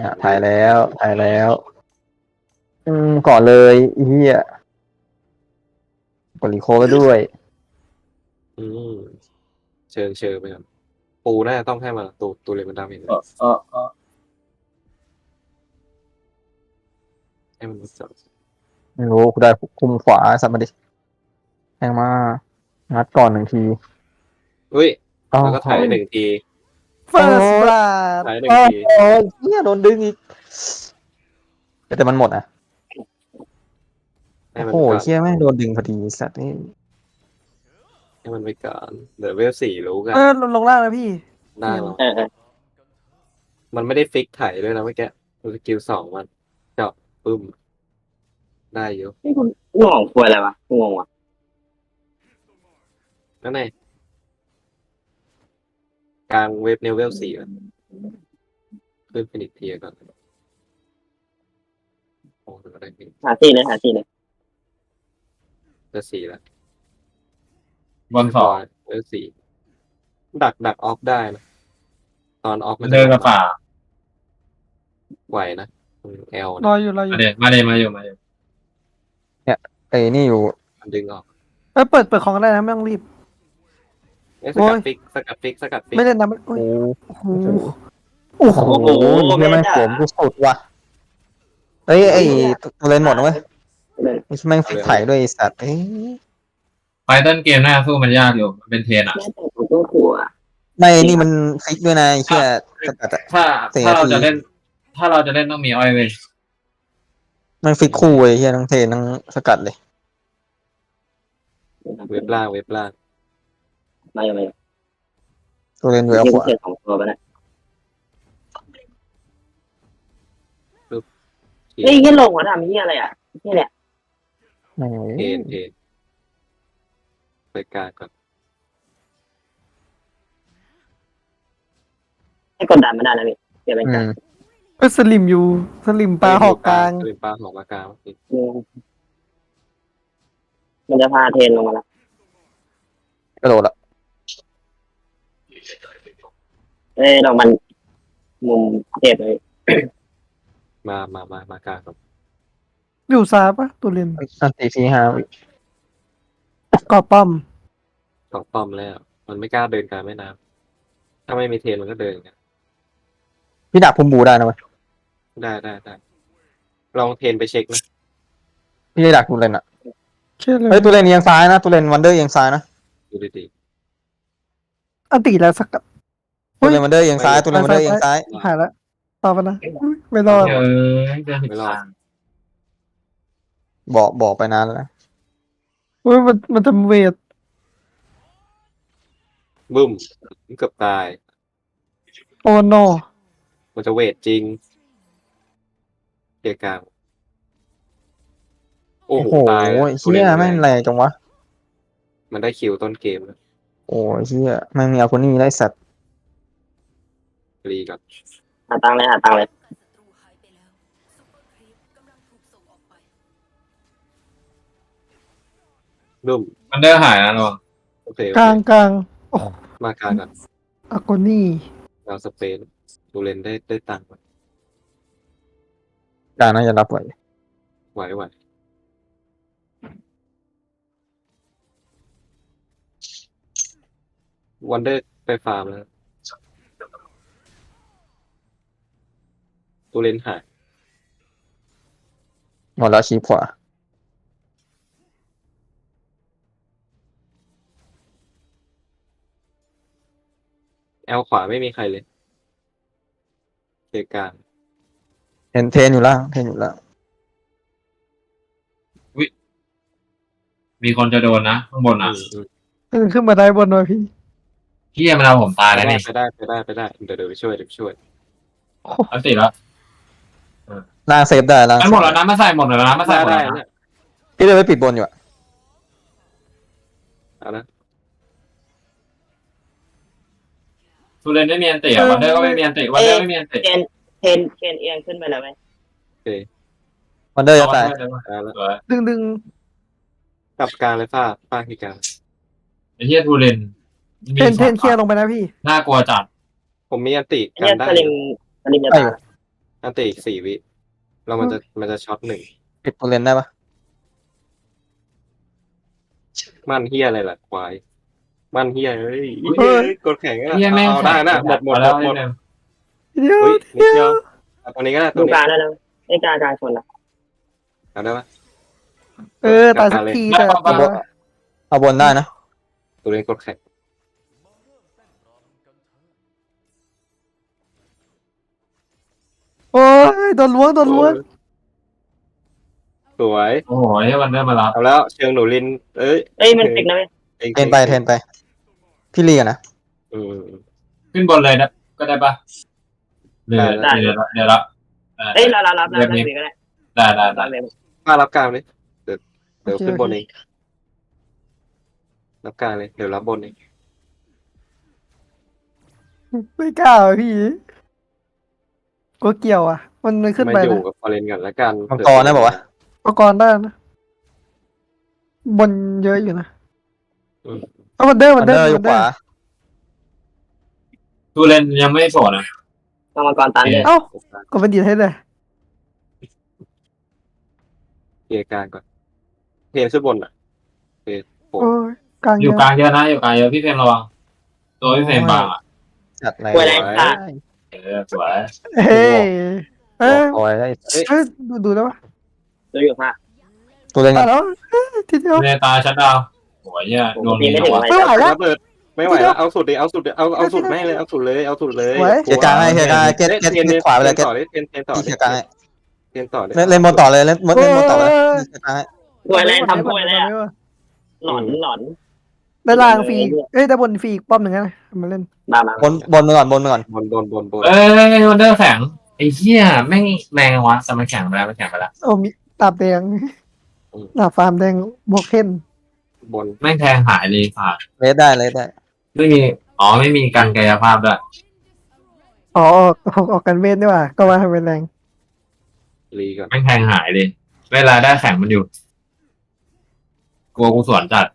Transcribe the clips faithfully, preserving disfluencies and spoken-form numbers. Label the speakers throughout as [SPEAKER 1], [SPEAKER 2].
[SPEAKER 1] อ่ะถ่ายแล้วถ่ายแล้ว อืมก่อนเลยไอ้เฮียกดรีโคไปด้วย
[SPEAKER 2] อืมเชิงเชิงไปครับปูน่าจะต้องให้มาตูตูเลยมันดาเมจ
[SPEAKER 3] เออเออเออ
[SPEAKER 2] ให้มันจับ
[SPEAKER 1] ไม่รู้กูได้คุมขวาสัตว์มาดิแทงมางัดก่อนหนึ่งที
[SPEAKER 2] อุ้ย
[SPEAKER 1] อ้าว
[SPEAKER 2] แล้วก็ถ่ายหนึ่งที
[SPEAKER 4] เฟิร์สบลัด
[SPEAKER 2] ถ่ายหนึ่ง
[SPEAKER 1] โอ้
[SPEAKER 2] ที
[SPEAKER 1] โหเฮียโดนดึงอีกแต่มันหมดอ่ะ
[SPEAKER 2] ให้มัน
[SPEAKER 1] โอ้
[SPEAKER 2] ไป
[SPEAKER 1] โห
[SPEAKER 2] ก่อน
[SPEAKER 1] เฮียแม่งโดนดึงพอดีสัตว์นี่
[SPEAKER 2] ให้มันไปก่อนเดี๋ยวเวลสี่รู้กัน
[SPEAKER 4] เออลงลงล่างนะพี่
[SPEAKER 2] ได้หรอ
[SPEAKER 3] เออเออ
[SPEAKER 2] มันไม่ได้ฟิกถ่ายด้วยนะเมื่อกี้สกิลสองมันเจาะปึ้มได้อยู่
[SPEAKER 3] นี่คุณงงควรอะไรวะงงว่ะ
[SPEAKER 2] นั่นไงกลางเว็บเนวเวลสี่อ่ะขึ้นฟินิกเทียก่อนโอ้โหได้ฟินิก
[SPEAKER 3] หาที่เลยหาที่เลย
[SPEAKER 2] จะสี่แล้ว
[SPEAKER 5] บอลสอง
[SPEAKER 2] เวลสี่ดักดักออฟได้นะตอนออฟ
[SPEAKER 5] มันเดินกับฝ่า
[SPEAKER 2] ไหวนะเอล
[SPEAKER 4] ร
[SPEAKER 2] นะ
[SPEAKER 4] ออยู่รออยู่
[SPEAKER 5] มาเดมาเดมาอยู่มาอยู่
[SPEAKER 1] ไอ้นี่อยู่
[SPEAKER 2] มันดึงออก
[SPEAKER 4] เออเปิดเปิดของก็ได้นะไม่ต้องรีบ
[SPEAKER 2] เอ้ยส
[SPEAKER 4] โอ้
[SPEAKER 2] กัด
[SPEAKER 4] ย
[SPEAKER 2] ฟิกสกัดฟิกสกัดฟิก
[SPEAKER 4] ไม่เล่นนะไม่โอ้
[SPEAKER 1] โอ้
[SPEAKER 4] ย
[SPEAKER 1] โห
[SPEAKER 4] โอ้โหโอ้โห
[SPEAKER 1] โอ้โหเฮียแม่งโขมกูสุดว่ะเอ้ยไอ้ตัวเลนหมดนะเว้ยไม่ใช่แม่งฟิกไถ่ด้วยไอ้สัตว์เอ้ย
[SPEAKER 5] ไฟต้นเกมหน้าสู้มันยากอยู่มันเป็นเทรนอ่ะ
[SPEAKER 3] แม่แต่ผมต้องขัว
[SPEAKER 1] ไม่นี่มันฟิกด้วยนะไอ้เฮียสกัดอะ
[SPEAKER 5] ถ้า
[SPEAKER 1] สี่
[SPEAKER 5] ถ้าเรา
[SPEAKER 1] นาที
[SPEAKER 5] จะเล่น ถ้าเราจะเล่นต้องมีอ้อยเว้ย
[SPEAKER 1] มันฟิกคู่ไอ้เฮียทั้งเทนทั้งสกัดเลย
[SPEAKER 2] เว็บล่างเว็บล่าง
[SPEAKER 3] มาอยู่มาอยู่
[SPEAKER 1] ตัวเลนอยู่
[SPEAKER 3] ที่
[SPEAKER 1] เอาขวา
[SPEAKER 3] เกิดของตัวไปนะเฮ้ยยี่ลงหัวทำยี่อะไรอ่ะนี่แหละ
[SPEAKER 1] โอ้โห
[SPEAKER 2] เทนเทนไปกลางก่อน
[SPEAKER 3] ให้กดดันไม่ได้นะพี่เดี๋ยวเป็น
[SPEAKER 1] อื
[SPEAKER 3] การ
[SPEAKER 1] ม
[SPEAKER 4] เออสลิมอยู่สลิมปลาหอกกลาง
[SPEAKER 2] เป็นปลาหอกมากลาง
[SPEAKER 3] มันจะพาเทนลงมาแล้ว
[SPEAKER 1] กระโดดละ
[SPEAKER 3] เอ้ยเรามันมุมเจ็บเลย
[SPEAKER 2] มามามามากลางก่อน
[SPEAKER 4] อยู่ซ้ายปะตัวเล่น
[SPEAKER 1] อันตีทีห้า
[SPEAKER 4] กอบป้อม
[SPEAKER 2] สองป้อมแล้ว มันไม่กล้าเดินกลางแม่น้ำถ้าไม่มีเทนมันก็เดินอย่างเงี้ย
[SPEAKER 1] พี่ดักพุ่มบูได้นะเว้ย
[SPEAKER 2] ได้ได้ได้ลองเทนไปเช็คนะ
[SPEAKER 1] พี่ดักตัวเลนอะ
[SPEAKER 4] เชื่อเล
[SPEAKER 1] เฮ้ย
[SPEAKER 4] ย
[SPEAKER 1] ตัวเลนเอียงซ้ายนะตัวเลนวันเดอร์เอียงซ้ายนะ
[SPEAKER 2] ดูดี
[SPEAKER 4] อันตีแล้วสักกับ
[SPEAKER 1] ตัวเลนวันเดอร์เอียงซ้ายตัวเลนวันเดอร์เอียงซ้าย
[SPEAKER 4] หายแล้วต่อไปนะอุ๊ยไม่รอด
[SPEAKER 5] เออเดินผิดทาง
[SPEAKER 1] บอกบอกไปนานแล้วนะ
[SPEAKER 4] อุ้ยมันมันจะเวท
[SPEAKER 2] ๆบึ้มเกือบตาย
[SPEAKER 4] โอโน
[SPEAKER 2] มันจะเวทจริงเกียร์กลางโอ้
[SPEAKER 1] โอ้
[SPEAKER 2] โห
[SPEAKER 1] โห
[SPEAKER 2] ตายแล้ว
[SPEAKER 1] เฮียแม่งแรงจังวะ
[SPEAKER 2] มันได้คิวต้นเกมแล้ว
[SPEAKER 1] โอ้ยเฮียแม่งมีเอาคนนี้ได้สัตว์
[SPEAKER 2] รีก่อน
[SPEAKER 3] หาตังเลยหาตังเลย
[SPEAKER 2] บึ้ม
[SPEAKER 5] มันเดินหายนะระวัง
[SPEAKER 2] โอเคโอเค
[SPEAKER 4] กลางกลางโอ้
[SPEAKER 2] มากลางก่อน
[SPEAKER 4] อาโกนี่
[SPEAKER 2] เราสเปนดูเลนได้ได้ตังค์
[SPEAKER 1] กลางน่าจะรับไหว
[SPEAKER 2] ไหวไหววันเดอร์ไปฟาร์มแล้วตูเลนหาย
[SPEAKER 1] หมดแล้วชี้ขวา
[SPEAKER 2] แอลขวาไม่มีใครเลยเกียร์กลาง
[SPEAKER 1] เห็นเทนอยู่แล้วเทนอยู่แล้ว
[SPEAKER 5] มีคนจะโดนนะข้างบนอ่ะ
[SPEAKER 2] อืม
[SPEAKER 4] เออขึ้นมาได้บนหน่อยพี่
[SPEAKER 5] พี่มันเอาผมตาย
[SPEAKER 2] ไป
[SPEAKER 5] แล้ว
[SPEAKER 2] ได้
[SPEAKER 5] นี่
[SPEAKER 2] ไปได้ไปได้ไปได้เดี๋ยวเดี๋ยวไปช่วยเดี๋ยวไปช่วย
[SPEAKER 5] อันติแล้ว
[SPEAKER 1] ล่างเซฟได้ล่าง
[SPEAKER 5] มันหมดแล้วนะมาใส่หมดแล้วนะมาใส่
[SPEAKER 2] ได้
[SPEAKER 5] หมด
[SPEAKER 2] ได้
[SPEAKER 5] แล้ว
[SPEAKER 2] เนี่
[SPEAKER 5] นะ
[SPEAKER 2] ย
[SPEAKER 1] พี่เลยไปปิดบนอยู่อะ
[SPEAKER 2] เอานะ
[SPEAKER 5] ทูเรนไม่มีอันติอ่ะวันเดอร์ก็ไม่มีอันติวันเดอร์ไม่มีอันติ
[SPEAKER 3] เทนเทนเทนเอียงขึ้นไปแล้วไหม
[SPEAKER 1] วันเดอร์จะตาย
[SPEAKER 2] ได้แล้ว
[SPEAKER 5] สวย
[SPEAKER 4] ดึงดึง
[SPEAKER 2] กลับกลางเลยฟ้าฟ้าที่กลาง
[SPEAKER 5] ไอ้เหี้ยทูเรนมี
[SPEAKER 4] เทนเทน
[SPEAKER 5] สอง
[SPEAKER 4] เคลียร์ลงไปนะพี่
[SPEAKER 5] น่ากลัวจัด
[SPEAKER 2] ผมมีอันติ
[SPEAKER 3] ไอ้
[SPEAKER 2] กั
[SPEAKER 3] เนี่ย
[SPEAKER 2] นได้
[SPEAKER 3] สลิมสลิมจะ
[SPEAKER 1] ได้
[SPEAKER 3] ตา
[SPEAKER 1] อยู่
[SPEAKER 3] ย
[SPEAKER 2] อันตีอีกสี่วิแล้วมันจะมันจะช็อตหนึ่ง
[SPEAKER 1] ปิดตัวเลนได้ปะ
[SPEAKER 2] มันเฮียอะไรล่ะควายมันเฮียเฮ้ยกดแข่งอ่ะ
[SPEAKER 5] เฮียแม่ง
[SPEAKER 2] เอาได้นะหมดหมดหม
[SPEAKER 5] แล้ว
[SPEAKER 2] ดหมด
[SPEAKER 5] เนี่ย
[SPEAKER 4] เดี๋ยว
[SPEAKER 2] เฮ้ยนิดเดียวเอาตัวนี้ก็ได้ตั
[SPEAKER 3] ดู
[SPEAKER 2] วนี้
[SPEAKER 3] กลางได้แล้วไอ้กลางกลางชนละ
[SPEAKER 2] เอาได้ปะ
[SPEAKER 4] เออตายสักทีแต่
[SPEAKER 1] เอาบนเอาบนได้นะ
[SPEAKER 2] ตัวนี้กดแข่ง
[SPEAKER 4] โอ้ยโดนล้วงโดนล้วง
[SPEAKER 2] สวย
[SPEAKER 5] โอ้โหไอ้วันเดอร์มารับ
[SPEAKER 2] เอาแล้วเชิงหนูลิน เอ้ย
[SPEAKER 3] เอ้ยมันติดนะเว้ย
[SPEAKER 1] เทนไปเทนไป พี่ลีกันนะ
[SPEAKER 2] อืม
[SPEAKER 5] ขึ้นบนเลยนะก็ได้ปะเดี๋ยวเดี๋ยวเดี๋ยวละ
[SPEAKER 3] เอ้ยรับรับรับรับรับก็ได้
[SPEAKER 5] ได้ได้ได้
[SPEAKER 3] รับเลย
[SPEAKER 2] ป้ารับกลางเลยเดี๋ยวเดี๋ยวขึ้นบนเองรับกลางเลยเดี๋ยวรับบนเอง
[SPEAKER 4] ไม่กล้าอ่ะพี่กลัวเกี่ยวอ่ะ มันมันขึ้น
[SPEAKER 2] มา
[SPEAKER 4] ไป
[SPEAKER 2] อยู่
[SPEAKER 4] นะ
[SPEAKER 2] กับฟอเรนกันแล้วกัน
[SPEAKER 1] มังกรนะบอกว่า
[SPEAKER 4] เอากรได้นะบนเยอะอยู่นะ
[SPEAKER 2] อืม
[SPEAKER 4] เอาวันเดอร์
[SPEAKER 1] มั
[SPEAKER 4] วัน น
[SPEAKER 1] เด
[SPEAKER 4] เดอ
[SPEAKER 1] อ
[SPEAKER 4] ร์
[SPEAKER 1] ร์อยู่
[SPEAKER 4] วัน
[SPEAKER 1] ข
[SPEAKER 4] เดอ
[SPEAKER 1] วา
[SPEAKER 4] ร์
[SPEAKER 5] ตูเลนยังไม่โสดนะ
[SPEAKER 3] กรรมกรตันเลย
[SPEAKER 4] เอ้าก็เป็นดีดให้เลย
[SPEAKER 2] เคลียร์กลางก่อนเทนขึ้นบนอ่ะโอเคโอ้
[SPEAKER 4] โอ้ยกลาง
[SPEAKER 5] อ
[SPEAKER 4] เย
[SPEAKER 5] ยู่
[SPEAKER 4] อะ
[SPEAKER 5] กลางเยอะนะอยู่กลางเยอะพี่เฟรมระวังตัวพี่เฟรมบางอ่ะ
[SPEAKER 1] จัดอะไร
[SPEAKER 3] ป่วยอะไรอ่ะ
[SPEAKER 5] เออสวย
[SPEAKER 4] เฮ้ยเอ้ย
[SPEAKER 1] คอยได้
[SPEAKER 4] เอ้ยดูดูแล้วปะ
[SPEAKER 3] ดูอยู่ค่ะ
[SPEAKER 1] ตัวเลน
[SPEAKER 4] ตา
[SPEAKER 1] กั
[SPEAKER 4] ย
[SPEAKER 1] น
[SPEAKER 4] แล้วเอ้ยทีเดียว
[SPEAKER 5] เนตาชัดดาวโอ้ยเนี่ยโดน
[SPEAKER 3] ตีไม่ถึง
[SPEAKER 5] วะ
[SPEAKER 3] เลย
[SPEAKER 4] ไม่ไหวแล้ว
[SPEAKER 2] ระเบิดไม่ไหวแล้วเอาสุดดิเอาสุดดิเอาเอาสุดแม่งเลยเอาสุดเลยเอาสุดเลย
[SPEAKER 4] ไหว
[SPEAKER 1] เกียร์กลางให้เกียร์กลางให้เกียร์เกียร์เกียร์ขวาไปเลยเกีย
[SPEAKER 2] ต่อ
[SPEAKER 1] ร์
[SPEAKER 2] เลยเทนเทนต่อ
[SPEAKER 1] เกียร์กลางให้
[SPEAKER 2] เทนต่อเลย
[SPEAKER 1] เล่นเล่นบนต่อเลยเล่นเล่นบนต่อเลยเกียร์กลางให้
[SPEAKER 3] ป่วยอะไรทำป่วยอะไรอ่ะหลอนหลอน
[SPEAKER 4] ได้ล่างฟรีเอ้ยได้บนฟรีอีกป้อมหนึ่งนะมาเล่น
[SPEAKER 3] มามา
[SPEAKER 1] บนบนมาก่อนบนมาก่อน
[SPEAKER 2] บนบนบนบน
[SPEAKER 5] เอ้ยวันเดอร์แข็งไอ้เหี้ยแม่งแรงวะสมัยแข็งไปแล้วมันแข็งไปแล้ว
[SPEAKER 4] โอ้มีตาบแดงตาฟาร์มแดงบวกเทน
[SPEAKER 2] บน
[SPEAKER 5] แม่งแทงหายเลยผ่า
[SPEAKER 1] เลสได้เลสได้
[SPEAKER 5] ไม่มีอ๋อไม่มีการกายภาพด้วย
[SPEAKER 4] อ๋อออกออกออกกันเวทด้วยว่ะก็ว่าทำเป็นแรง
[SPEAKER 2] รีก่อน
[SPEAKER 5] แม่งแทงหายเลย เวลาได้แข็งมันอยู่กลัวกูสวนจัด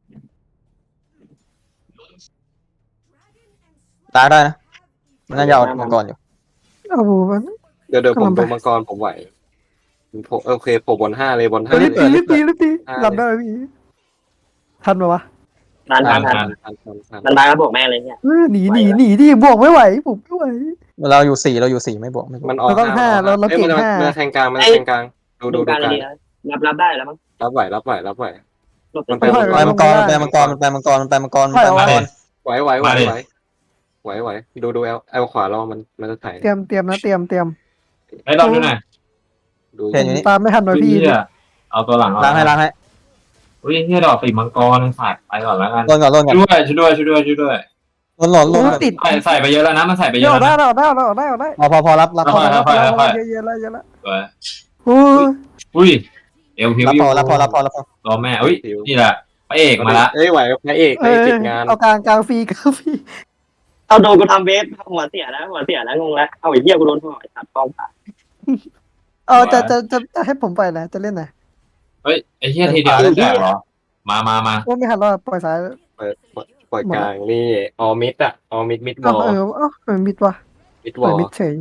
[SPEAKER 1] ตาได้นะมันน่าจะเอามังกรอยู่
[SPEAKER 4] เอาบูมัน
[SPEAKER 2] เดี๋ยวเดี๋ยวผม
[SPEAKER 4] กำลังไป
[SPEAKER 2] ดูมังกรผมไหวผมโอเคผมบนห้าเลยบนห้า
[SPEAKER 4] รีบ
[SPEAKER 2] เล
[SPEAKER 4] ตี
[SPEAKER 2] ย
[SPEAKER 4] รีบตีรีบตี
[SPEAKER 2] อ่า
[SPEAKER 4] หลับได้ไหมพี่ทันไหมวะ
[SPEAKER 3] ทันทันทัน
[SPEAKER 2] ทันทันทันทัน
[SPEAKER 3] มันมาแล้วบอกแม่เลยเนี่ย
[SPEAKER 4] เออหนีหนีหนีดิบวกไม่ไหวผมไม่ไหว
[SPEAKER 1] เราอยู่สี่เราอยู่สี่ไม่บวกไม่บวก
[SPEAKER 2] มันออก
[SPEAKER 4] เราต้องห้าเราเรา
[SPEAKER 2] อ้ย
[SPEAKER 4] เก่ง
[SPEAKER 2] มัน
[SPEAKER 4] ห้า
[SPEAKER 2] มันแทงกลางมันแทงกลางดูดู
[SPEAKER 3] ดู
[SPEAKER 2] ดู
[SPEAKER 3] การ
[SPEAKER 2] กลาง
[SPEAKER 3] ดีนะรับรับได้แล้วมั้ง
[SPEAKER 2] รับไหวรับไหวรับไหว
[SPEAKER 3] หลบ
[SPEAKER 2] มัน
[SPEAKER 3] ไป
[SPEAKER 2] ไป
[SPEAKER 1] ไปมังกรมันไปมังกรมันไปมังกรมันไปมังกรมันไปมังกร
[SPEAKER 2] ไหวไหวไหวไหวไหวไหวดูดูเอลเอลขวารอมันมันจะถ่าย
[SPEAKER 4] เตรียมเตรียมนะเตรียมเตรียม
[SPEAKER 5] ไอ้รอบดูหน่อย
[SPEAKER 2] ดู
[SPEAKER 1] เห็นอยู่นี่
[SPEAKER 4] ตามไม่ทันหน่อยพี่
[SPEAKER 5] เหี้ยเอาตัวหลัง
[SPEAKER 1] ล้างให้ล้างให้
[SPEAKER 5] อุ้ยเฮียดอกปีกมังกรฝาดไปก่อนแล้วกัน
[SPEAKER 1] ล่นก่อนล่นก่อน
[SPEAKER 5] ช่วยช่วยด้วยช่วยด้วยช่วยด้วย
[SPEAKER 1] ล่นหล่นล่น
[SPEAKER 4] โอ้ติด
[SPEAKER 5] ใส่ใส่ไปเยอะแล้วนะมันใส่ไปเย
[SPEAKER 4] เย
[SPEAKER 5] อะ
[SPEAKER 4] อะ
[SPEAKER 5] แล้ว
[SPEAKER 4] ได้
[SPEAKER 5] นะ
[SPEAKER 4] เราได้เราได้เราได้
[SPEAKER 1] พอพอพอรับรับพอ
[SPEAKER 5] ค่อยๆค่อยๆค่อย
[SPEAKER 4] เยอะเยอะแล้วเยอะแล้ว
[SPEAKER 5] สวย
[SPEAKER 4] โอ้ย
[SPEAKER 5] อุ้ยเอวพิว
[SPEAKER 1] รับ
[SPEAKER 5] อยู่
[SPEAKER 1] พอรับพอรับพอรับพอ
[SPEAKER 5] ตัวแม่อุ้ยนี่แหละพระเอกมาละ
[SPEAKER 2] เอ้ยไหวพระเอก
[SPEAKER 4] เอ
[SPEAKER 2] ไอ้
[SPEAKER 4] อ
[SPEAKER 2] ติดงาน
[SPEAKER 4] เอากลางกลางฟรีกลางฟรี
[SPEAKER 3] เอาโดนกูทำเวฟหัวเสียแล้วหัวเสียแล้วงงแล้วเอาไอ้เหี้ยกูโดนห่อตัดป้อมขา
[SPEAKER 4] เออจะจะจะจะให้ผมไปนะจะเล่นไหน
[SPEAKER 5] เฮ้ยไอ้เฮียทีเดียวแตกเหรอมามามา
[SPEAKER 4] ว่าไม่หันรอดปล่อยสาย
[SPEAKER 2] เปิดปล่อยกลางนี่ออมิดอะออมิดมิดบ
[SPEAKER 4] เอ้า
[SPEAKER 2] อล
[SPEAKER 4] เออเอ้าเออมิดวะ
[SPEAKER 2] มิด
[SPEAKER 4] ป
[SPEAKER 2] บ
[SPEAKER 4] ล่
[SPEAKER 2] อ
[SPEAKER 4] อย
[SPEAKER 2] ล
[SPEAKER 4] มิดเฉย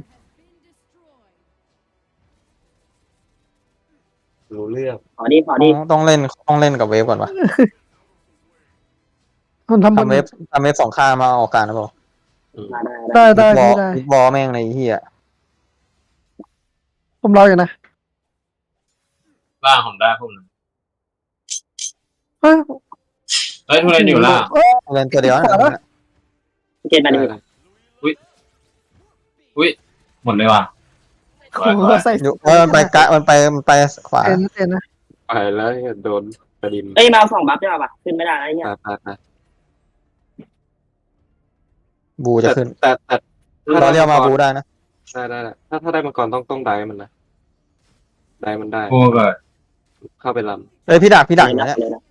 [SPEAKER 2] รู้เรื่อง
[SPEAKER 3] ขอดีขอดี
[SPEAKER 1] ต้องเล่นต้องเล่นกับเวฟก่อนวะ
[SPEAKER 4] คนทำบน
[SPEAKER 1] ทำเวฟทำเวฟสองข้างมาออกการนะบอก
[SPEAKER 3] มาได้ได้
[SPEAKER 4] ได้ได้
[SPEAKER 1] บอ
[SPEAKER 4] พี่ได้
[SPEAKER 1] ลบอลแม่งในเฮีย
[SPEAKER 4] ผมรออยู่นะ
[SPEAKER 5] ล่างผมได้พวกนั้น
[SPEAKER 4] เฮ้ย
[SPEAKER 5] เฮ้ยทุเรนอยู่ล่าง
[SPEAKER 1] เล่นตัวเดียวนะ
[SPEAKER 3] เกณฑ์มาดี
[SPEAKER 5] หมดเลยว่ะ
[SPEAKER 4] โอ้โหใส่
[SPEAKER 1] อยู่เออมันไปกะมันไปมันไปขวา
[SPEAKER 4] เต็นเต็นนะ
[SPEAKER 2] ไปแล้วโดนกระดิม
[SPEAKER 3] เอ้ยมาสองบัฟได้ป่ะขึ้นไม่ได้แล้วเนี่ย
[SPEAKER 2] ไปไปไป
[SPEAKER 1] บูจะขึ้น
[SPEAKER 2] แต่แต่
[SPEAKER 1] เราเรียกมาบูได้นะ
[SPEAKER 2] ได้ได้ถ้าถ้าได้มังกรต้องต้องได้มันนะได้มันได้
[SPEAKER 5] กูเกิด
[SPEAKER 2] เข้าไปล
[SPEAKER 1] เอ้ยพี่ดักพี่ดักอยู่
[SPEAKER 3] นะ
[SPEAKER 1] เนี่ย
[SPEAKER 3] เลยนะ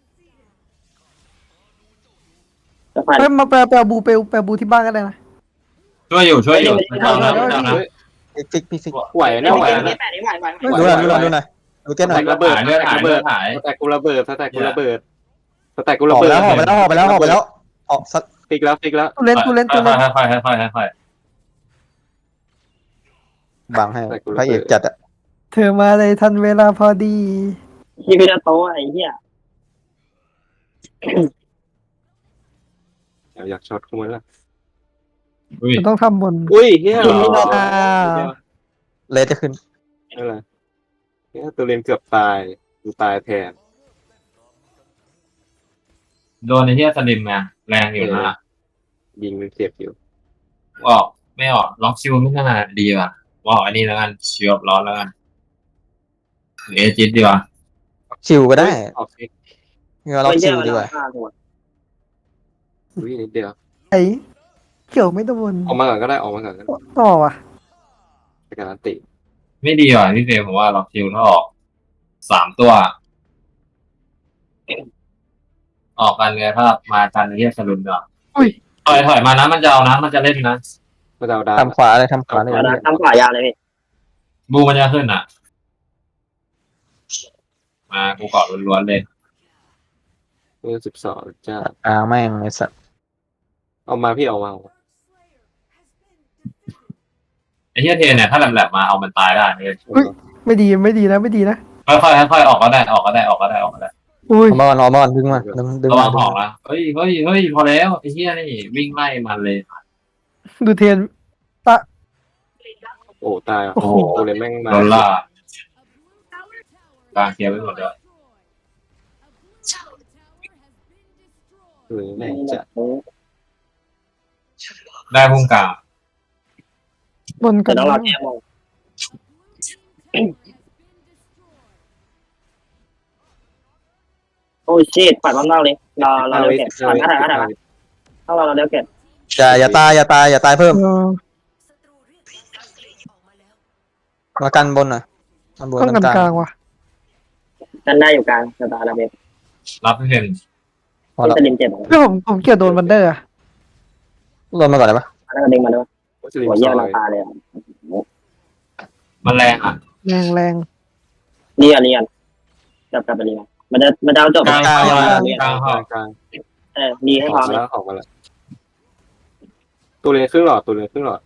[SPEAKER 3] จะผ่าน
[SPEAKER 4] เฮ้ยมาแปลแปลบูเปลแปลบูที่บ้านก็ได้นะ
[SPEAKER 5] ช่วยอยู่ช่วยอยู่ไม่เอานะไม่เอานะ
[SPEAKER 1] ฟิกฟิกฟิก
[SPEAKER 2] ำไหวนะไหว
[SPEAKER 3] เก
[SPEAKER 2] นะ
[SPEAKER 3] ณฑ์แปดนี่ไหวไหว
[SPEAKER 1] ดูหน่อยดูหน่อยดูหน่อยดูเก้นหน่อย
[SPEAKER 2] ระเบิด
[SPEAKER 5] เลือดหายเลือดหาย
[SPEAKER 2] สแต็กกูระเบิดสแต็กกูระเบิดสแต็กกู
[SPEAKER 1] อ
[SPEAKER 2] ระ
[SPEAKER 1] อกไป
[SPEAKER 2] เบิด
[SPEAKER 1] แล้วออกไปแล้วออกไปแล้วออกไปแล้วออกสัก
[SPEAKER 2] ฟิกแล้วฟิกแล้ว
[SPEAKER 4] ตูเล่นตูเล่นตูเล่น
[SPEAKER 5] ค่อยๆค่อยๆค่อยๆค่อย
[SPEAKER 1] บังให้พระเอกจัดอะ
[SPEAKER 4] เธอมาเลยทันเวลาพอดี
[SPEAKER 3] ที่พิราโตะไอ้เหี้ย
[SPEAKER 2] อยากช็อตกูมั้ยล่ะ
[SPEAKER 5] อุ้ย
[SPEAKER 4] มันต้องทำบน
[SPEAKER 2] อุ้ยเฮีย
[SPEAKER 4] อ่า
[SPEAKER 1] เลสจะขึ้น
[SPEAKER 2] นั่นแหละเฮียตัวเรียนเกือบตายกูตายแทน
[SPEAKER 5] โดนไอ้เหี้ยสลิมไงแรงอยู่นะ
[SPEAKER 2] ยิงมันเจ็บอยู่
[SPEAKER 5] ออกไม่ออกล็อกชิวไม่น่าดีว่ะว่าอันนี้แล้วกันชิวร้อนแล้วกันหรือเอจิตดีกว่า
[SPEAKER 1] ชิวก็ได้
[SPEAKER 2] ออกซิก
[SPEAKER 1] เงาเรา
[SPEAKER 3] ไม่
[SPEAKER 1] ชิ
[SPEAKER 3] เชื่อ
[SPEAKER 1] ว
[SPEAKER 3] มัน
[SPEAKER 1] ดีกว่า
[SPEAKER 3] ฆ่ากูอะ
[SPEAKER 2] อุ้ยนิดเดียว
[SPEAKER 4] ไอ้เกี่ยวไม่โดน
[SPEAKER 2] ออกมาก่อนก็ได้ออกมาก่อนก็ได้
[SPEAKER 4] ต่อว่ะ
[SPEAKER 2] ไปการันติ
[SPEAKER 5] ไม่ดีว่ะพี่เฟย์ผมว่าล็อกชิวถ้าออกสามตัว ออกกันเลยถ้ามากันไอ้เหี้ยสลุมดีกว่า
[SPEAKER 4] อุ้ย
[SPEAKER 5] ถอยถอยมานะมันจะเอานะมันจะเล่นนะ
[SPEAKER 2] มาดาวดาว
[SPEAKER 1] ทำขวาเลยทำขวาเลย
[SPEAKER 3] เอาละทำขวายาวเลยพี่
[SPEAKER 5] บูมันจะขึ้นอ่ะ มากูเกาะล้วนๆเลย
[SPEAKER 2] เมื่อสิบสองจ้า
[SPEAKER 1] อ่าแม่งไอ้สัตว์
[SPEAKER 2] เอามาพี่เอามา
[SPEAKER 5] ไอ้เหี้ยเทนเนี่ยถ้าแหลมๆมาเอามันตายได้เนี่ย
[SPEAKER 4] ไม่ดีไม่ดีนะไม่ดีนะ
[SPEAKER 5] ค่อยๆค่อยๆออกก็ได้ออกก็ได้ออกก็ได้ออกก็ได้
[SPEAKER 4] อุ้ย
[SPEAKER 1] เอามาก่อนเอามาก่อนดึงมาดึงดึง
[SPEAKER 5] ระวั
[SPEAKER 1] มาง
[SPEAKER 5] หอกนะเฮ้ยเฮ้ยเฮ้ยพอแล้วไอ้เหี้ยนี่วิ่งไล่มันเลย
[SPEAKER 4] ดูเทน
[SPEAKER 2] โอ้ตาย
[SPEAKER 4] โอ้โห
[SPEAKER 2] ตัวเรียนแม่งมา
[SPEAKER 5] โดนล่ากลางเคลียร์ไปหมดเลย
[SPEAKER 2] หรือแม่งจะ
[SPEAKER 5] ได้พุ่งกลาง
[SPEAKER 4] บนกั
[SPEAKER 3] แต่
[SPEAKER 4] น
[SPEAKER 3] ต้องรอแก้มองโอ้ชิตปัดมันมากเลยรอรอเร็วเก็บปัดมาถ่ายมาถ่ายมาต้องรอเราเร็วเก็บ
[SPEAKER 1] อย่าอย่าตายอย่าตายอย่าตายเพิ่ม
[SPEAKER 4] เออ
[SPEAKER 1] มากันบนหน่อยกันบน
[SPEAKER 4] ต้องกัน
[SPEAKER 1] กลาง
[SPEAKER 4] กลางว่ะ
[SPEAKER 3] กันได้อยู่กลางจะตาเราเบ็ด
[SPEAKER 5] รับพี่เฟน
[SPEAKER 1] พอแล้ว
[SPEAKER 3] จะดิมเจ็บ
[SPEAKER 4] เพื่อผมผมเกี่ยวโดนบันเดอร์อะ
[SPEAKER 1] ลงมาก่อนได้ปะ
[SPEAKER 3] แล้วก็ดึงมาด้วย
[SPEAKER 2] สลิม
[SPEAKER 3] หัว
[SPEAKER 2] ซ
[SPEAKER 3] เยี่ย
[SPEAKER 2] อ
[SPEAKER 3] ราย คาเลย
[SPEAKER 5] มันแรงอ่ะ
[SPEAKER 4] แรงแรง
[SPEAKER 3] เรียนเรียนกลับกลับไปเรียนมันจะมันจะเอาจบ
[SPEAKER 5] กลาง
[SPEAKER 3] กลาง
[SPEAKER 5] กลาง
[SPEAKER 3] เรียน
[SPEAKER 5] กลาง
[SPEAKER 2] ก
[SPEAKER 5] หอ
[SPEAKER 2] ลาก งกลาง
[SPEAKER 3] เออดีให้
[SPEAKER 2] อ
[SPEAKER 3] พร้
[SPEAKER 2] อ
[SPEAKER 3] อก ม
[SPEAKER 2] มา
[SPEAKER 3] เลย
[SPEAKER 2] แล้วออกมาแล้วตัวเรียนครึ่งหลอดตัวเรียนครึ่งหลอด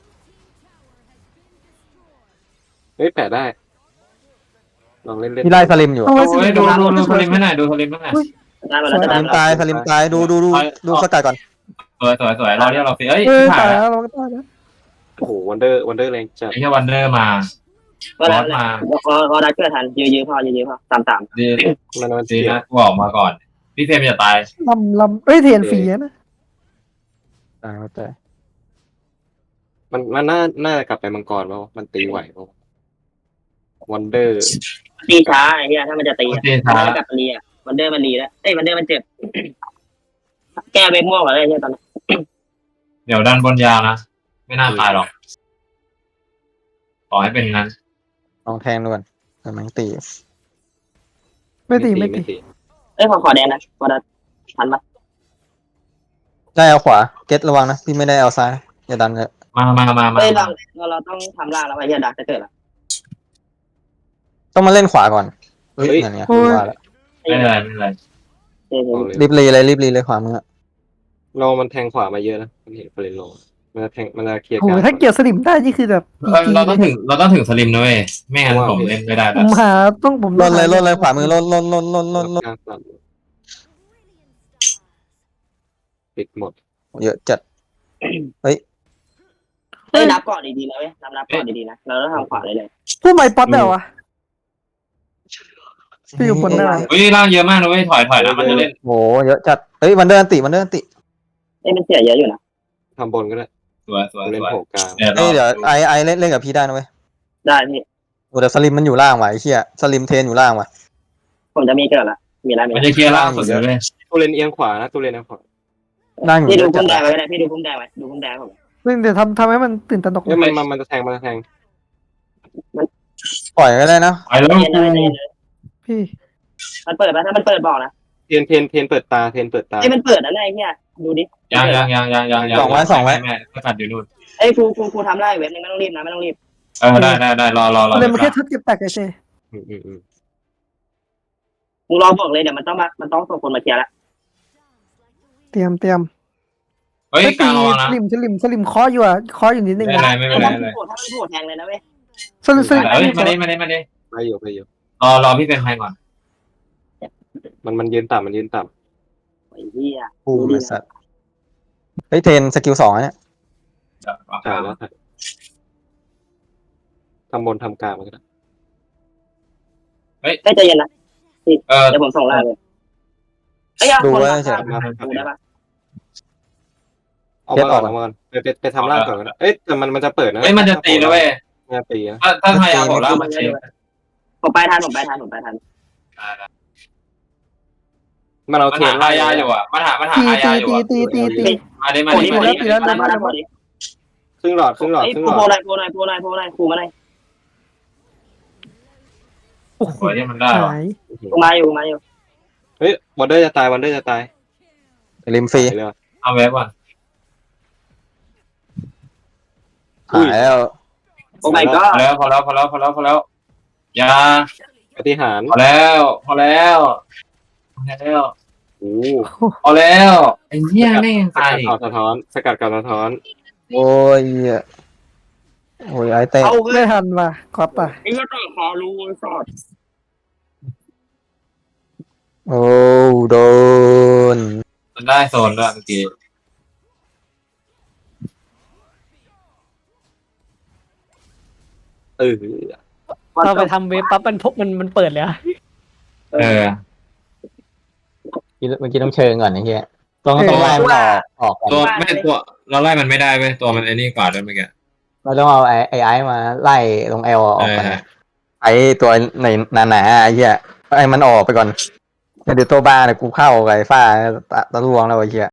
[SPEAKER 2] เฮ้ยแปะได้ลองเล่นเล่น
[SPEAKER 1] พี่ไล่สลิมอยู่
[SPEAKER 4] ต้องไว้สิ
[SPEAKER 5] โอ้ยดูดูดูสลิมให้หน่อยดูสลิมให้หน่อย
[SPEAKER 3] ได้มาแล้ว
[SPEAKER 1] ส
[SPEAKER 3] ได้
[SPEAKER 1] ลิม
[SPEAKER 3] มา
[SPEAKER 1] ตายสลิมตายดูดูดูดูสกัดก่อน
[SPEAKER 5] สวยสวยสวยรอเรียกเราฟิเอ้ย
[SPEAKER 4] เออ
[SPEAKER 5] ถ่า
[SPEAKER 4] ตาย ย
[SPEAKER 5] แล้ว
[SPEAKER 4] แล้วเราก็ตายแล้ว
[SPEAKER 2] โอ้โหวันเดอร์วันเดอร์แรงจัด
[SPEAKER 5] ไอ้เหี้ยวันเดอร์มา
[SPEAKER 3] ก็แล้วพอพอได้เกิดทันยื้อยื้อพอยื้อพอสามสาม
[SPEAKER 5] ดี
[SPEAKER 2] มันมัน
[SPEAKER 5] ดี
[SPEAKER 2] เสีย
[SPEAKER 5] นะกูออกมาก่อน พี่เฟรมจะตาย
[SPEAKER 4] ลำลำเอ้ยเทนฟรีอะนะ
[SPEAKER 1] ตายแล้วแต่
[SPEAKER 2] มันมันน่าน่าจะกลับไปมังกรเปล่าวะมันตีไหวเปล่าวะวันเดอร์
[SPEAKER 3] ตีช้าไอ้เหี้ยถ้ามันจะตี
[SPEAKER 5] ตีช้า
[SPEAKER 3] มันกลับมารีอ่ะวันเดอร์มันรีแล้วเอ้ยวันเดอร์มันเจ็บ แก้เวกม่วงเหรอไอ้เหี้ยตอนนี้
[SPEAKER 5] เดี๋ยวดันบนยาวนะ ไม่น่าตายหรอกขอให้เป็นงั้น
[SPEAKER 1] ลองแทงดูก่อนแต่มันตี
[SPEAKER 4] ไม่ตีไม่ตี
[SPEAKER 3] เอ้ยขอขอแดงนะพอได้ทันปะ
[SPEAKER 1] ได้เอาขวาเก็ตระวังนะพี่ไม่ได้เอาซ้ายอย่าดันเลย
[SPEAKER 5] มามามามา
[SPEAKER 3] เอ้ยเราเราเราต้องทำล่างแล้วไอ้เหี้ยดักจะเกิดละ
[SPEAKER 1] ต้องมาเล่นขวาก่อนเฮ้ยนั่นไงว่าแล้ว
[SPEAKER 5] ไม่เป็นไรไม่เป็นไร
[SPEAKER 3] เออ
[SPEAKER 2] เอาเลย
[SPEAKER 1] รีบรีเลยรีบรีเลยขวามือ
[SPEAKER 2] เรามันแทงขวามาเยอะนะมันเห็นเฟรนโลมันจะแทงมันจะเคลียร์
[SPEAKER 4] โอ้
[SPEAKER 2] กลาง
[SPEAKER 4] ยถ้าเกี่ยวสลิมได้นี่คือแบบ
[SPEAKER 5] เออเราต้องถึงเราต้องถึงสลิมนะเว้ยไม่งั้นผมเล่นไม่ได้
[SPEAKER 4] ผ
[SPEAKER 5] แล้ว
[SPEAKER 4] มหาต้องผม
[SPEAKER 1] ลนเลยลนเลยขวามือลนลนลนลนลนลน
[SPEAKER 2] กลางสามปิดหมด
[SPEAKER 1] เยอะจัด
[SPEAKER 3] เอ้ยนับก่อนดีๆนะเว้ยนับนับก่อนดีๆนะเราต้องทำขวาเลยเลย
[SPEAKER 4] ผู้ไม่ป๊อตได้วะพี่อยู่บนได้วะ
[SPEAKER 5] เฮ้ยร่างเยอะมากนะเว้ยถอยถอยนะมันจะเล่น
[SPEAKER 1] โหเยอะจัดเฮ้ยวันเดอร์อันติวันเดอร์อันติ
[SPEAKER 3] เอ้ยมันเสียเยอะอยู่นะ
[SPEAKER 2] ทำบนก็ได้
[SPEAKER 5] สวยสวย
[SPEAKER 2] เล่น
[SPEAKER 5] สวย
[SPEAKER 2] โผล่กลาง
[SPEAKER 5] เดี๋ยว
[SPEAKER 1] เฮ้ยเดี๋ยว
[SPEAKER 5] เรา
[SPEAKER 1] ไอไอเล่นเล่นกับพี่ได้นะเว้ย
[SPEAKER 3] ได้พี่
[SPEAKER 1] โอ้เดี๋ยวสลิมมันอยู่ล่างว่ะไอ้เหี้ยสลิมเทนอยู่ล่างว่ะ
[SPEAKER 3] ผมจะมีเกิดละมีอะไรมี
[SPEAKER 5] มันจะเคลียร์ล่างสุดเลยเว้ย
[SPEAKER 2] ตัวเล่นเอียงขวานะตัวเล่นเอียงขวา
[SPEAKER 1] นั่งอยู่
[SPEAKER 3] พี่
[SPEAKER 1] เย
[SPEAKER 3] ดู
[SPEAKER 1] อะจั
[SPEAKER 3] พุ่
[SPEAKER 1] ด
[SPEAKER 3] มแดงไว้ก็ได้พี่ดูพุ่มแดงไว้ดูพุ่มแดงผม
[SPEAKER 4] ซึ่งเดี๋ยวทำทำให้มันตื่นตระหนก
[SPEAKER 2] เฮ้ยมันมันมันจะแทงมันจะแทง
[SPEAKER 1] ปล่อยก็ได้นะ
[SPEAKER 5] ไปแล้ว
[SPEAKER 3] เย็นเลยเย็นเลย
[SPEAKER 4] พี่
[SPEAKER 3] มันเปิดปะถ้ามันเปิดบอกนะ
[SPEAKER 2] เทนเทนเทนเปิดตาเทนเปิดตา
[SPEAKER 3] เอ้ยมันเปิดนะไอ้เหี้ยดูดิ
[SPEAKER 5] ยังยังยังยังยังยังแม่ก็ตัดอยู่นู่น
[SPEAKER 3] เอ้ยครูครูครูทำได้เว็บนึงไม่ต้องรีบนะไม่ต้องรีบ
[SPEAKER 5] เออได้ได้ได้รอรอรอ
[SPEAKER 4] เลยมันแค่ชุดเก็บแตกเฉย
[SPEAKER 2] อืมอืมอืม
[SPEAKER 3] มึงรอบอกเลยเดี๋ยวมันต้องมามันต้องส่งคนมาเคลียร์ละ
[SPEAKER 4] เตรียมเตรียม
[SPEAKER 5] เฮ้ย
[SPEAKER 4] ไอ้
[SPEAKER 5] ก
[SPEAKER 4] ตี
[SPEAKER 5] ลางระวังนะ
[SPEAKER 4] สลิมสลิมสลิมเคออยู่อ่ะเคออยู่นิดนึง
[SPEAKER 5] ไม่เป็นไร
[SPEAKER 4] อ่ะ
[SPEAKER 5] ไม่เป็นไร
[SPEAKER 3] ถ้า
[SPEAKER 5] ไม่
[SPEAKER 3] มั
[SPEAKER 5] เป็น นไร
[SPEAKER 3] โผล่ถ้ามันโผล่แทงเลยนะเว้ย
[SPEAKER 4] สลิมสลิม
[SPEAKER 5] เอ้ยมาดิมาดิมาดิ
[SPEAKER 2] ไปอยู่ไปอยู่
[SPEAKER 5] รอรอพี่เป็นไทยก่อน
[SPEAKER 2] มันมันยืนต่ำมันยืนต่
[SPEAKER 3] ไอ้เหี้ย
[SPEAKER 1] กูบริษัทเฮ้ยเทนสกิลสองเนี่ย
[SPEAKER 5] จับ
[SPEAKER 2] ำถ่ายแล้วถ่ายทำบนทำกลางมันก็ได้
[SPEAKER 3] ได้ใจเย็นนะ
[SPEAKER 5] เออ
[SPEAKER 3] เดี๋ยวผมส่งไลน์เลยเอ้ยเอา
[SPEAKER 1] ดู
[SPEAKER 3] คน
[SPEAKER 1] ไว้
[SPEAKER 3] มา
[SPEAKER 1] เฉย
[SPEAKER 2] มา
[SPEAKER 3] ดูได้ปะ
[SPEAKER 2] เอามาก่อนเอามาก่อนไปไปไปทำล่างก่อนก็ได้เอ้ยแต่มันมันจะเปิดนะ
[SPEAKER 5] เฮ้ยมันจะตีแล้วเว้ย
[SPEAKER 2] มันจะตีนะ
[SPEAKER 5] ถ้าถ้าไทยเอาผมแล้วมันเชฟ
[SPEAKER 3] ผมไปทันผมไปทันผมไปทัน
[SPEAKER 2] มันเอา
[SPEAKER 5] มัน
[SPEAKER 2] เท
[SPEAKER 5] หาน อาญาอยู่อ่ะมันหามันหา
[SPEAKER 4] ตี
[SPEAKER 5] อาญา
[SPEAKER 4] ตี
[SPEAKER 5] อยู่
[SPEAKER 4] ตี
[SPEAKER 5] อ่ะ
[SPEAKER 4] ตีตีตี
[SPEAKER 5] มาดิมา
[SPEAKER 3] โผล่
[SPEAKER 5] ดิ
[SPEAKER 3] นี่โผ
[SPEAKER 5] มา
[SPEAKER 3] ล่
[SPEAKER 5] ดิ
[SPEAKER 3] นี่แล้วแล้วแล้วโผล่นี่
[SPEAKER 2] ครึ่งหลอดครึ่งหลอด
[SPEAKER 3] เอ้ย
[SPEAKER 2] ครึ่ง
[SPEAKER 3] โผ
[SPEAKER 2] หล
[SPEAKER 3] ล่
[SPEAKER 2] อด
[SPEAKER 3] ไหนโผล่ไหนโผล่ไหนโผล่ไหนโผล่ไหนครูมาไหน
[SPEAKER 4] โอ้โห
[SPEAKER 5] สวยที่มันได้
[SPEAKER 4] หา
[SPEAKER 5] ว่ะ
[SPEAKER 4] ย
[SPEAKER 3] กูมาอยู่กูมาอยู่
[SPEAKER 2] เฮ้ยวันเดอร์จะตายวันเดอร์จะตาย
[SPEAKER 1] ริมฟรี
[SPEAKER 2] ไปเลย
[SPEAKER 5] เอาเว็บก่อน
[SPEAKER 1] หายแล้ว
[SPEAKER 3] โอ้ my
[SPEAKER 5] พ
[SPEAKER 3] god
[SPEAKER 5] อแล้วพอแล้วพอแล้วพอแล้วพอแล้วอย่า
[SPEAKER 2] ปฏิหาร
[SPEAKER 5] พอแล้วพอแล้วพอแล้ว
[SPEAKER 2] โอ้
[SPEAKER 5] พอแล้วไอ้เหี้ยแม่ง
[SPEAKER 2] ส
[SPEAKER 5] ตาย
[SPEAKER 2] กัดข่าวสะท้อนสกัดข่าวสะท้อน
[SPEAKER 1] โอ้ยโอ้ยไอ้เต้
[SPEAKER 3] เอาเฮ้
[SPEAKER 4] ไม่
[SPEAKER 3] ย
[SPEAKER 4] ทันว่ะคอปอ่ะ
[SPEAKER 3] ไอ้เหี้ยต่อคอรู้สอด
[SPEAKER 1] โอ้โดน
[SPEAKER 5] มันได้โซนด้วยเมื่อกี้
[SPEAKER 2] เออ
[SPEAKER 6] เราไปทำเว็บปั๊บมันพบมันมันเปิดเลยอะ
[SPEAKER 5] เออ
[SPEAKER 1] เมื่อกี้ต้องเชิงก่อนไอ้เหี้ยต้องต้องไล่มันออกออกก่อน
[SPEAKER 5] ตัวไม่ตัวเราไล่มันไม่ได้เว้ยตัวมันไอ้นี่กว่าด้วยเมื่อกี้
[SPEAKER 1] เราต้องเอาไอ้ไอ้ไอ้มาไล่ลงเอลออกก่อน
[SPEAKER 5] เออ
[SPEAKER 1] นะไอ้ตัวในหนาๆไอ้เหี้ยไอ้มันออกไปก่อนเดี๋ยวตัวบ้าเนี่ยกูเข้ากับไอ้ฟ้าตะตะลวงแล้วไอ้เหี้ย